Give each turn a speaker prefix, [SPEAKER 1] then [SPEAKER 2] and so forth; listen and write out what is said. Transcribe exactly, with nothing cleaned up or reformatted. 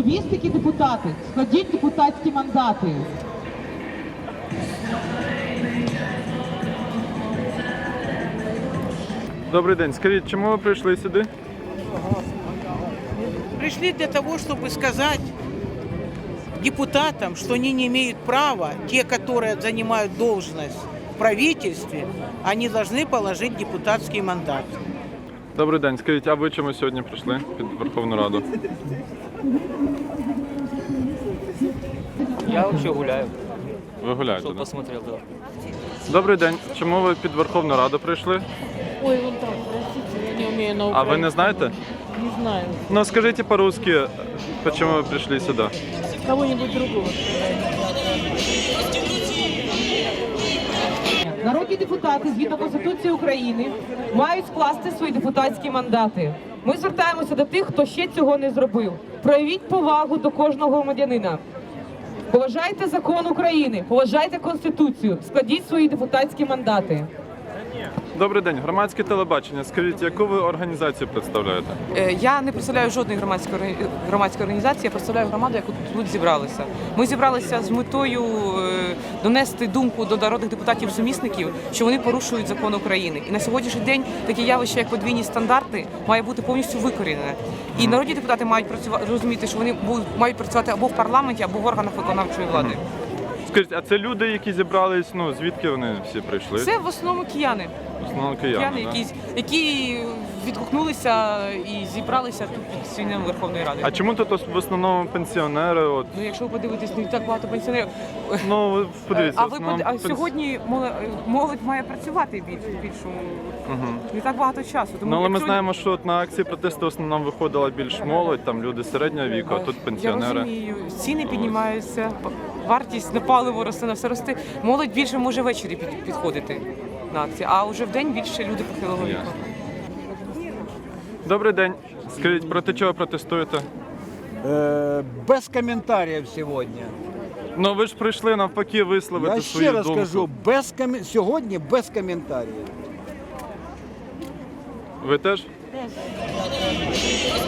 [SPEAKER 1] Лобістики, депутати, складіть депутатські мандати.
[SPEAKER 2] Добрий день. Скажіть, чому ви прийшли сюди?
[SPEAKER 3] Пришли для того, чтобы сказать депутатам, что они не имеют права, те, которые занимают должность в правительстве, они должны положить депутатский мандат.
[SPEAKER 2] Добрий день. Скажіть, а ви чому сьогодні прийшли під Верховну Раду?
[SPEAKER 4] Я вообще гуляю,
[SPEAKER 2] Ви гуляєте,
[SPEAKER 4] чтобы
[SPEAKER 2] да?
[SPEAKER 4] посмотрел, да.
[SPEAKER 2] Добрий день. Чому ви під Верховну Раду прийшли?
[SPEAKER 5] Ой, вон там, простите, я не умею на
[SPEAKER 2] А
[SPEAKER 5] украинском.
[SPEAKER 2] ви не знаєте?
[SPEAKER 5] Не знаю.
[SPEAKER 2] Ну, скажите по-русски, почему вы пришли сюда?
[SPEAKER 5] Кого-нибудь другого.
[SPEAKER 1] Народні депутати, згідно Конституції України, мають скласти свої депутатські мандати. Ми звертаємося до тих, хто ще цього не зробив. Проявіть повагу до кожного громадянина. Поважайте закон України, поважайте Конституцію, складіть свої депутатські мандати.
[SPEAKER 2] Добрий день. Громадське телебачення. Скажіть, яку ви організацію представляєте?
[SPEAKER 6] Е, Я не представляю жодної громадської органі- громадської організації, я представляю громаду, яку тут зібралися. Ми зібралися з метою е, донести думку до народних депутатів-сумісників, що вони порушують закон України. І на сьогоднішній день таке явище, як подвійні стандарти, має бути повністю викорінене. І народні депутати мають працювати, розуміти, що вони будуть, мають працювати або в парламенті, або в органах виконавчої влади.
[SPEAKER 2] Скажіть, а це люди, які зібрались, ну, звідки вони всі прийшли?
[SPEAKER 6] Це в основному кияни.
[SPEAKER 2] В основному кияни,
[SPEAKER 6] Кияни,
[SPEAKER 2] да?
[SPEAKER 6] які, які відгукнулися і зібралися тут під стінами Верховної Ради.
[SPEAKER 2] А чому тут в основному пенсіонери? От,
[SPEAKER 6] Ну, якщо ви подивитесь, не так багато пенсіонерів.
[SPEAKER 2] ну, ви подивіться.
[SPEAKER 6] А
[SPEAKER 2] в
[SPEAKER 6] ви
[SPEAKER 2] основному
[SPEAKER 6] под- а
[SPEAKER 2] пенс-
[SPEAKER 6] сьогодні молодь, молодь має працювати більш більшому
[SPEAKER 2] Мгм.
[SPEAKER 6] не так багато часу. Тому
[SPEAKER 2] Ну, але ми
[SPEAKER 6] якщо-
[SPEAKER 2] знаємо, що от на акції протесту в основному виходила більш молодь, там люди середнього віку, а тут
[SPEAKER 6] Я
[SPEAKER 2] пенсіонери.
[SPEAKER 6] розумію, ціни піднімаються, вартість на паливо росте, на все росте. Молодь більше може ввечері під- підходити на акції, а вже в день більше люди похилого віку.
[SPEAKER 2] Ясно. Добрий день. Скажіть, проти чого протестуєте?
[SPEAKER 7] Э, без комментариев сегодня.
[SPEAKER 2] Ну ви ж прийшли навпаки висловити
[SPEAKER 7] Я
[SPEAKER 2] свою
[SPEAKER 7] ще раз
[SPEAKER 2] думку.
[SPEAKER 7] кажу, без ком... сьогодні без коментарів.
[SPEAKER 2] Ви теж?
[SPEAKER 5] Теж.